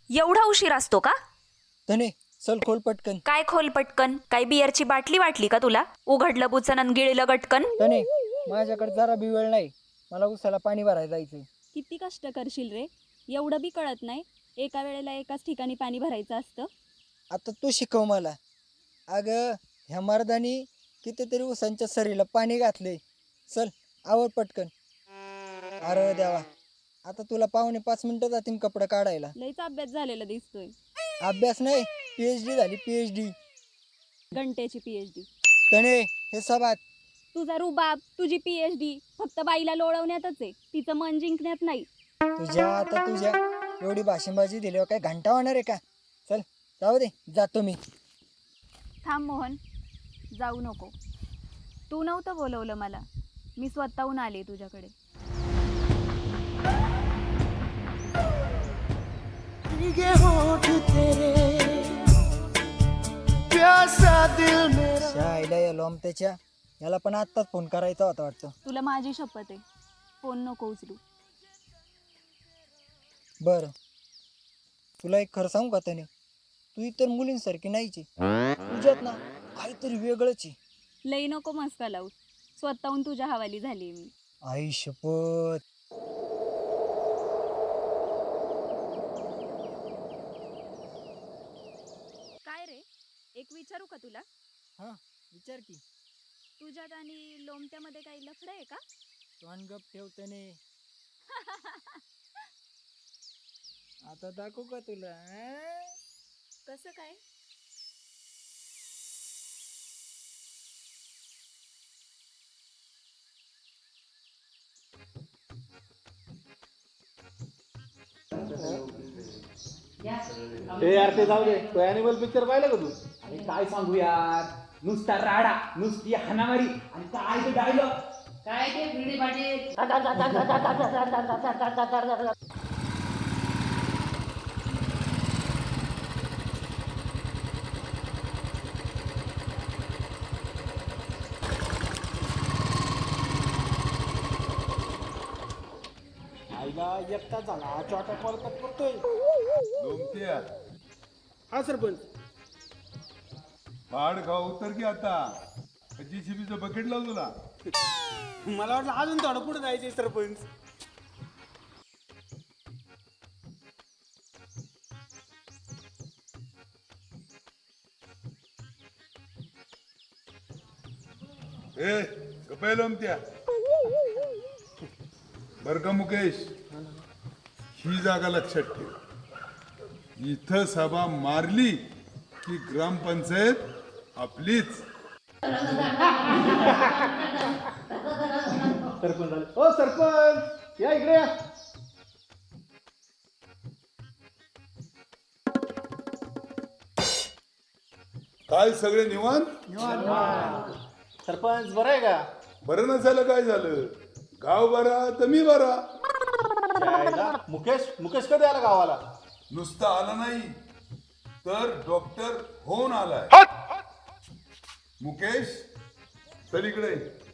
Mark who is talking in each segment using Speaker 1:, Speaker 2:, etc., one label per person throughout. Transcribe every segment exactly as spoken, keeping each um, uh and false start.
Speaker 1: एवढा उशीर असतो का?
Speaker 2: तने चल खोल पटकन.
Speaker 1: काय खोल पटकन? काय बियरची बाटली वाटली का तुला? उघडलं बुचन आणि गिळलं गटकन.
Speaker 2: तने माझ्याकडे जरा बी वेळ नाही, मला उसाला पाणी भरायला जायचंय.
Speaker 3: किती कष्ट करशील रे, एवढं बी कळत नाही. एका वेळेला एकाच ठिकाणी पाणी भरायचं असतं.
Speaker 2: आता तू शिकव मला. अगं ह्या मर्दानी कितीतरी उसांच्या सरीला पाणी घातले. चल आवड पटकन. अरे देवा, आता तुला पावणे पाच मिनिटं जातील कपडे काढायला.
Speaker 3: लईच अभ्यास झालेला दिसतोय.
Speaker 2: अभ्यास नाही, पीएच डी झाली पीएच डी.
Speaker 3: घंटेची पीएचडी.
Speaker 2: तने हे सबात.
Speaker 3: तुझा रुबाब, तुझी पीएचडी फक्त बाईला लोळवण्यातच आहे, तिचं मन जिंकण्यात नाही.
Speaker 2: तुझ्या आता तुझ्या एवढी भाषणबाजी दिल्यावर काय घंटा होणार आहे का? चल जाऊ दे, जातो मी.
Speaker 3: थांब मोहन, जाऊ नको. तू नव्हतं बोलवलं मला, मी स्वतःहून आले तुझ्याकडे.
Speaker 2: शाळेला या लोमत्याच्या याला पण आत्ताच फोन करायचा होता वाटतं.
Speaker 3: तुला माझी शपथ आहे, फोन नको उचलू.
Speaker 2: बरं, तुला एक खरं सांगू का त्याने, तू इतर मुलींसारखी नाहीची. तुझ्यात ना काहीतरी वेगळंच आहे.
Speaker 3: लई नको मस्का लावू, स्वतःहून तुझ्या हवाली झाली मी.
Speaker 2: आई शपथ.
Speaker 3: काय रे, एक विचारू का तुला?
Speaker 2: हा विचार की.
Speaker 3: तुझ्यात आणि लोमत्यामध्ये काही लफडं आहे का?
Speaker 2: तोंड गप ठेवताने. आता दाखवू का तुला? आ?
Speaker 3: कसं काय?
Speaker 4: ए यार ते जाऊ दे, तो ॲनिमल पिक्चर पाहिलं का तू?
Speaker 5: अरे काय सांगू यार, नुसता राडा, नुसती हाणामारी आणि काय ते डायलॉग. काय ते भिडी पाटील.
Speaker 4: आईला एकटा झाला चॉटा परत करतोय.
Speaker 6: लोमत्या
Speaker 4: हा सरपंच.
Speaker 6: बाड खाऊ उतर की आता. जीसीबीचं बकेट लाव तुला.
Speaker 4: मला वाटलं अजून थोडं पुढे जायचंय सरपंच.
Speaker 6: ए गप्पा लोमत्या. बर का मुकेश, ही जागा लक्षात ठेव. इथं सभा मारली की ग्रामपंचायत आपलीच.
Speaker 4: सरपंच आले. ओ सरपंच या इकडे या.
Speaker 6: काय सगळे निवांत?
Speaker 4: सरपंच बरं आहे का?
Speaker 6: बरं नसायला काय झालं? गाव बरा तर मी बरा.
Speaker 4: यायला. मुकेश मुकेश कधी आला गावाला?
Speaker 6: नुसता आला नाही तर डॉक्टर होऊन आलाय. मुकेश चल इकडे.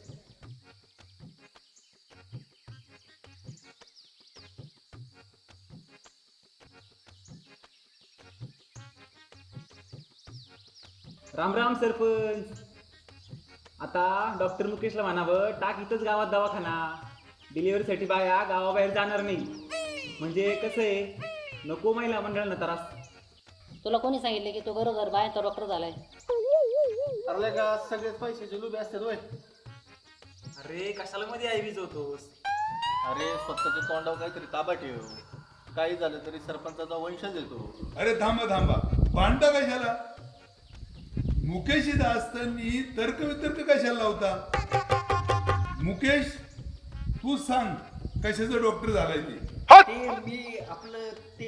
Speaker 5: राम राम सरपंच. आता डॉक्टर मुकेशला म्हणावं, टाक इथंच गावात दवाखाना. डिलिव्हरीसाठी बाया गावाबाहेर जाणार नाही. म्हणजे कसं आहे, नको महिला मंडळांना त्रास.
Speaker 7: तुला कोणी सांगितलं की तो गरोदर बायांचा डॉक्टर झालाय?
Speaker 4: ठरलंय का सगळेच पैशाचे लुबे असतात होय?
Speaker 5: अरे कशाला मध्ये आई विजवतोस?
Speaker 8: अरे स्वतःच्या तोंडावर काहीतरी ताबा ठेव. काही झालं तरी सरपंचाचा वंशज येतो.
Speaker 6: अरे थांबा थांबा, भांडता कशाला? मुकेश इथं असताना तर्क वितर्क कशाला लावता? मुकेश तू सांग, कशाचं डॉक्टर झालाय ते?
Speaker 8: ते मी आपलं ते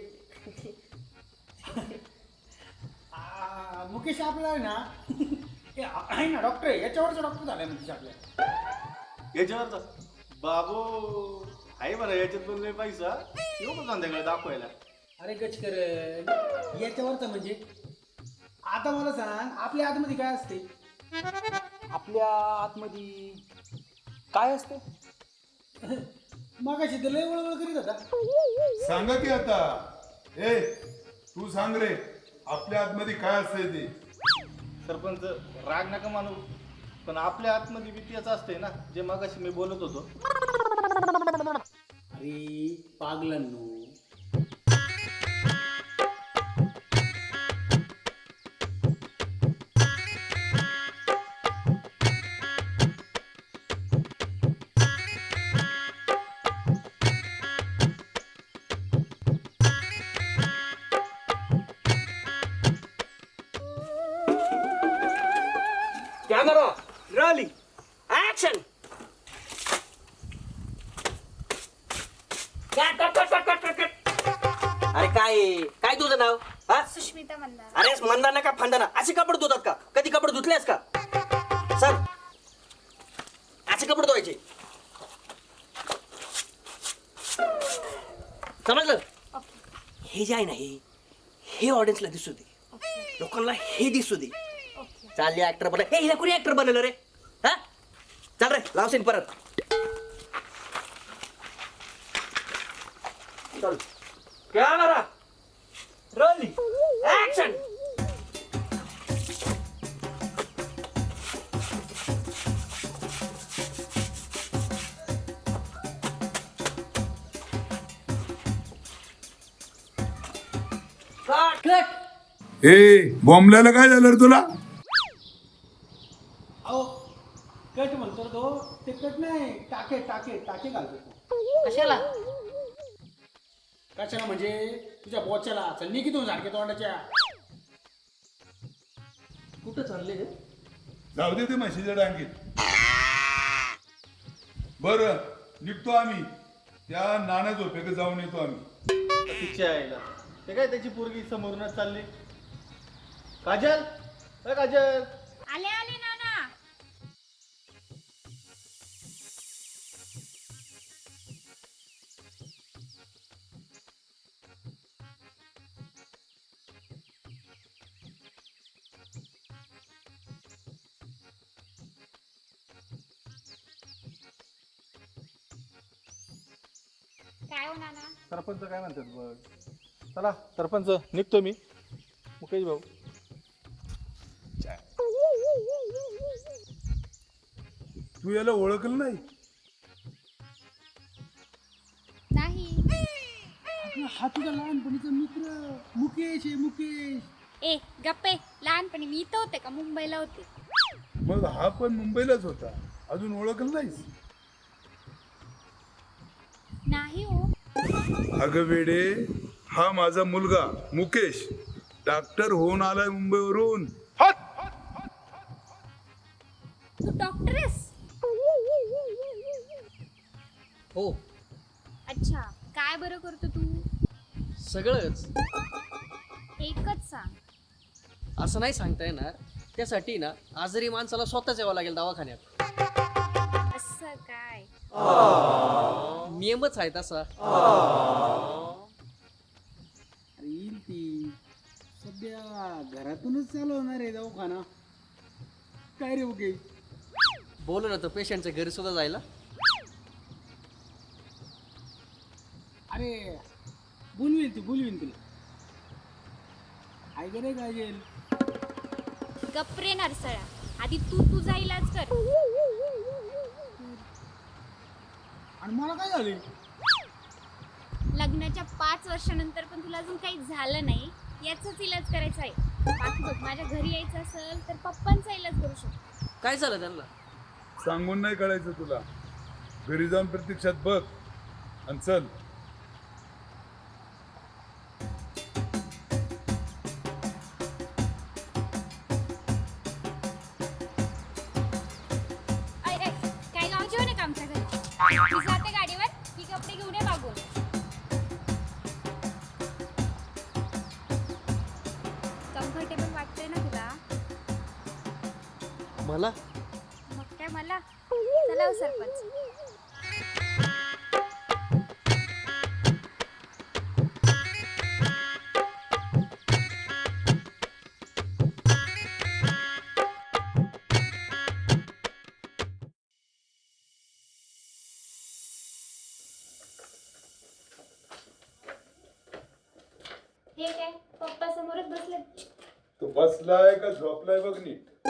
Speaker 4: आ, मुकेश आपला आहे ना हे आहे ना डॉक्टर आहे, याच्यावरचा डॉक्टर झालाय मुकेश आपल्या.
Speaker 8: याच्यावरचा बाबू आहे बरं. याच्यात पण लय पैसा येऊ का संध्याकाळी दाखवायला?
Speaker 4: अरे गचकर, याच्यावरचा म्हणजे आता मला सांग, आपल्या आतमध्ये काय असते?
Speaker 5: आपल्या आतमध्ये काय असते?
Speaker 4: मगाशी तर लय वळवळ करीत होता.
Speaker 6: सांगा की आता ए तू सांग रे, आपल्या आतमध्ये काय असतंय ते?
Speaker 8: सरपंच राग नका मानू, पण आपल्या आतमध्ये बी तेच असते ना जे मगाशी मी बोलत होतो.
Speaker 4: अरे पागलांनो,
Speaker 9: कॅमेरा रॉलिंग ऍक्शन. अरे काय आहे? काय तुझं नाव? हा
Speaker 3: सुष्मिता मंदार.
Speaker 9: अरे मंदाना का फंदाना असे कपडे धुतात का? कधी कपडे धुतलेस का? सर असे कपडे धुवायचे, समजलं? हे जे आहे ना, हे हे ऑडियन्सला दिसू दे, लोकांना हे दिसू दे. चालले ऍक्टर बनला. हे हिला कोणी ऍक्टर बनवलं रे? हा चाल रे, लाव सीन परत. चल camera rolling action. Cut cut.
Speaker 6: ए बॉम्बल्याला काय झालं रे तुला?
Speaker 4: अहो कट म्हणतो तो, ते कट नाही, टाके टाके टाके घालतो तो.
Speaker 7: कशाला?
Speaker 4: कशाला म्हणजे तुझ्या बोच्याला. चल निघितून झाडके तोंडाच्या.
Speaker 9: कुठं चालले रे?
Speaker 6: जाऊ दे ते म्हशीच्या डांगीत. बरं निघतो आम्ही, त्या नाना झोपेकडे जाऊन येतो आम्ही.
Speaker 8: तिच्या आईला ते काय त्याची पोरगी समोरूनच चालली. काजल, अ काजल,
Speaker 3: आले आले नाना. काय हो नाना?
Speaker 8: सरपंच काय म्हणतात बघ. चला सरपंच निघतो मी. मुकेश भाऊ,
Speaker 6: तू याला ओळखलं नाही?
Speaker 3: नाही.
Speaker 4: अगं, हा तुझा लहानपणीचा मित्र मुकेश आहे, मुकेश.
Speaker 3: ए गप्पे, लहानपणी मी इथं होते का मुंबईला होते?
Speaker 6: मग हा पण मुंबईलाच होता, अजून ओळखलं नाहीस?
Speaker 3: नाही हो.
Speaker 6: अगं वेडे, हा माझा मुलगा मुकेश, डॉक्टर होऊन आलाय मुंबईवरून.
Speaker 3: तू डॉक्टर आहेस?
Speaker 9: हो
Speaker 3: अच्छा, काय बरं करतो तू?
Speaker 9: सगळंच.
Speaker 3: एकच सांग.
Speaker 9: असं नाही सांगता येणार. त्यासाठी ना आजारी माणसाला स्वतःच यावं लागेल दवाखान्यात.
Speaker 3: असं काय?
Speaker 9: नियमच आहे तसा.
Speaker 4: अरे येईल ती. सध्या घरातूनच चालू होणार आहे दवाखाना. काय रे मुकेश?
Speaker 9: बोलू ना, तो पेशंटच्या घरी सुद्धा जायला.
Speaker 4: अरे बोलवीन ती, बोलवीन तुला. काय करे काजल?
Speaker 3: गप्रे नरसळा, आधी तू तुझा इलाज कर.
Speaker 4: आणि मला काय झाले?
Speaker 3: लग्नाच्या पाच वर्षानंतर पण तुला अजून काही झालं नाही याचाच इलाज करायचा आहे. बाकी बघ, माझ्या घरी यायचं असेल तर पप्पांचा इलाज करू शकतो.
Speaker 9: काय झालं त्यांना?
Speaker 6: सांगून नाही कळायचं तुला. घरी जाऊन प्रत्यक्षात बघ आणि चल.
Speaker 3: ऐ ऐ, काय गाव जेवण आहे का आमच्या घरी? मी जाते गाडीवर, ही कपडे घेऊन ये मागून. कम्फर्टेबल वाटतंय ना तुला?
Speaker 9: मला
Speaker 3: मग काय मला? चला हो सरपंच. हे काय पप्पा समोरच बसले.
Speaker 6: तो बसलाय का झोपलाय बघ नीट.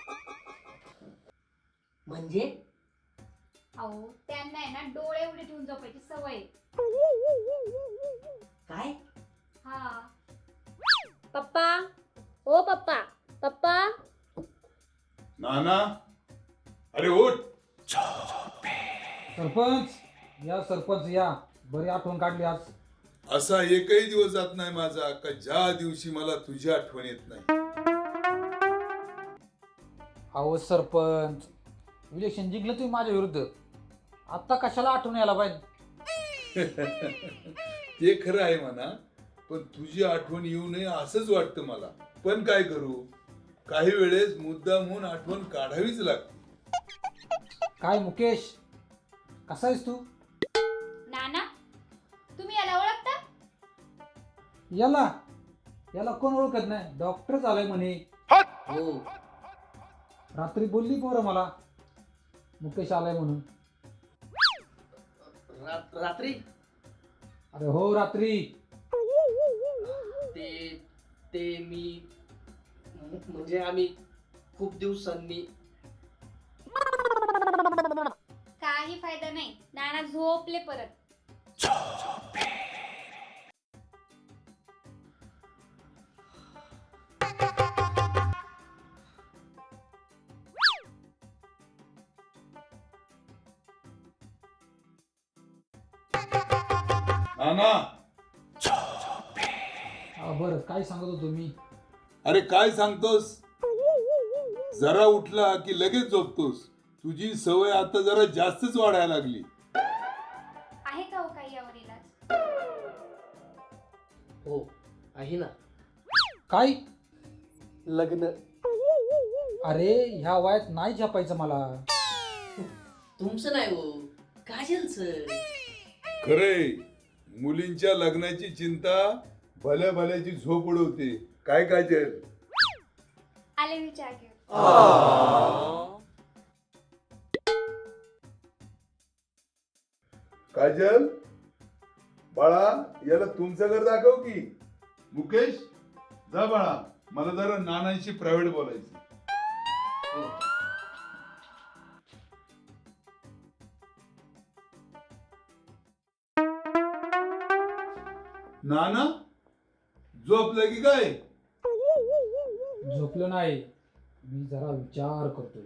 Speaker 9: म्हणजे
Speaker 3: अहो त्यांना आहे ना डोळे उडे ठेवून झोपायची सवय आहे.
Speaker 9: काय
Speaker 3: हा
Speaker 7: पप्पा ओ पप्पा पप्पा
Speaker 6: नाना अरे उठ.
Speaker 10: सरपंच या सरपंच या, बरी आठवण काढली आज.
Speaker 6: असा एकही दिवस जात नाही माझा का ज्या दिवशी मला तुझी आठवण येत नाही.
Speaker 10: अहो सरपंच, इलेक्शन जिंकलं तुम्ही माझ्या विरुद्ध, आता कशाला आठवण यायला पाहिजे.
Speaker 6: ते खरं आहे म्हणा, पण तुझी आठवण येऊ नये असंच वाटतं मला. पण काय करू, काही वेळेस मुद्दामहून आठवण काढावीच लागते.
Speaker 10: काय मुकेश, कसा आहेस तू?
Speaker 3: नाना तुम्ही याला ओळखता?
Speaker 10: याला याला कोण ओळखत नाही, डॉक्टर झालाय म्हणे.
Speaker 9: हो
Speaker 10: रात्री बोलली पोरं मला मुकेश आलाय म्हणून.
Speaker 9: रा- रात्री
Speaker 10: अरे हो रात्री.
Speaker 9: ते ते मी म- म्हणजे आम्ही खूप दिवसांनी.
Speaker 3: काही फायदा नाही, नाना झोपले परत.
Speaker 6: नाना
Speaker 10: हा, बरं काय सांगत होतो मी?
Speaker 6: अरे काय सांगतोस, जरा उठला की लगेच झोपतोस. तुझी सवय आता जरा जास्तच वाढायला लागली.
Speaker 3: आहे का हो काही यावर इलाज?
Speaker 9: हो आहे ना,
Speaker 10: काय?
Speaker 9: लग्न.
Speaker 10: अरे ह्या वयात नाही झपायचं मला.
Speaker 9: तुमचं नाही हो, काजलचं.
Speaker 6: खरंय, मुलींच्या लग्नाची चिंता भल्या भल्याची झोप उडवते. काय काजल?
Speaker 3: आले विचार घेऊ.
Speaker 6: काजल बाळा, याला तुमचं घर दाखव की. मुकेश जा बाळा, मला जरा नानांशी प्रायव्हेट बोलायचं. नाना झोपलं की काय?
Speaker 10: झोपलो नाही, मी जरा विचार करतोय.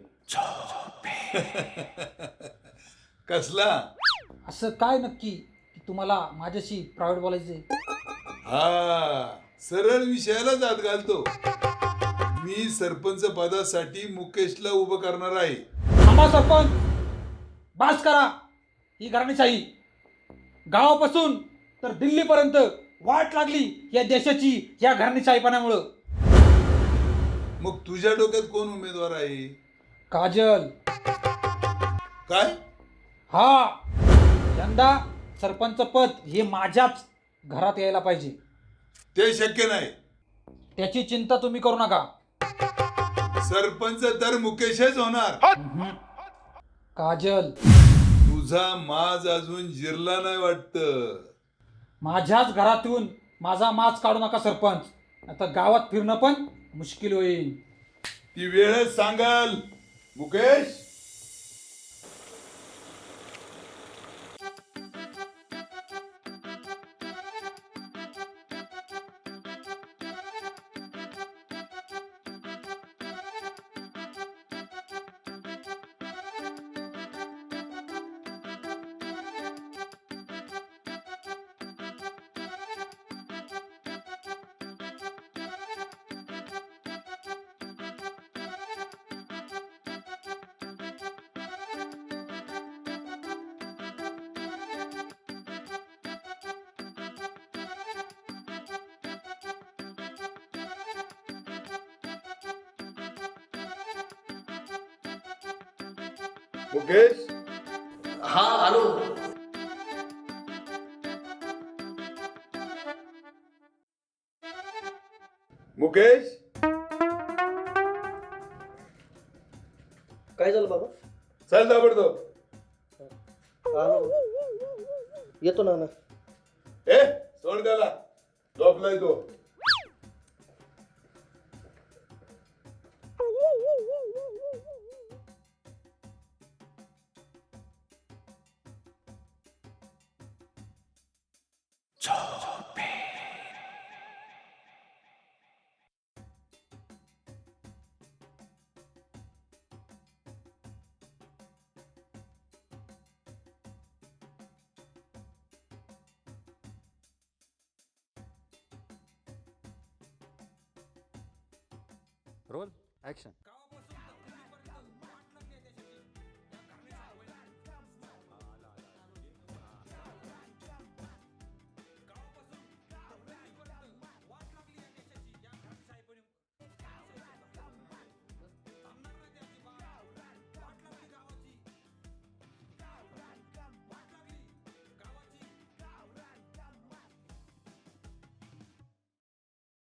Speaker 6: कसला?
Speaker 10: असं काय नक्की की तुम्हाला माझ्याशी प्रायव्हेट बोलायचंय?
Speaker 6: हा, सरळ विषयाला जात घालतो. मी सरपंच पदासाठी मुकेशला उभं करणार आहे.
Speaker 10: थांबा सरपंच, बास करा. ही घराणेशाही गावापासून तर दिल्लीपर्यंत वाट लागली या देशाची या घराणेशाहीपणामुळं.
Speaker 6: मग तुझ्या डोक्यात कोण उमेदवार आहे?
Speaker 10: काजल.
Speaker 6: काय?
Speaker 10: हा, यंदा सरपंच पद हे माझ्याच घरात यायला पाहिजे.
Speaker 6: ते शक्य नाही.
Speaker 10: त्याची चिंता तुम्ही करू नका.
Speaker 6: सरपंच तर मुकेशच होणार.
Speaker 10: काजल,
Speaker 6: तुझा माज अजून जिरला नाही वाटतं.
Speaker 10: माझ्याच घरातून माझा माज काढू नका सरपंच, आता गावात फिरणं पण मुश्किल होईल.
Speaker 6: ती वेळच सांगाल. मुकेश मुकेश
Speaker 9: हा आलो.
Speaker 6: मुकेश
Speaker 9: काय झालं बाबा?
Speaker 6: चल दाबडतो.
Speaker 9: आलो, येतो ना.
Speaker 6: ए सोड त्याला. झोपलाय तो.
Speaker 11: Roll action.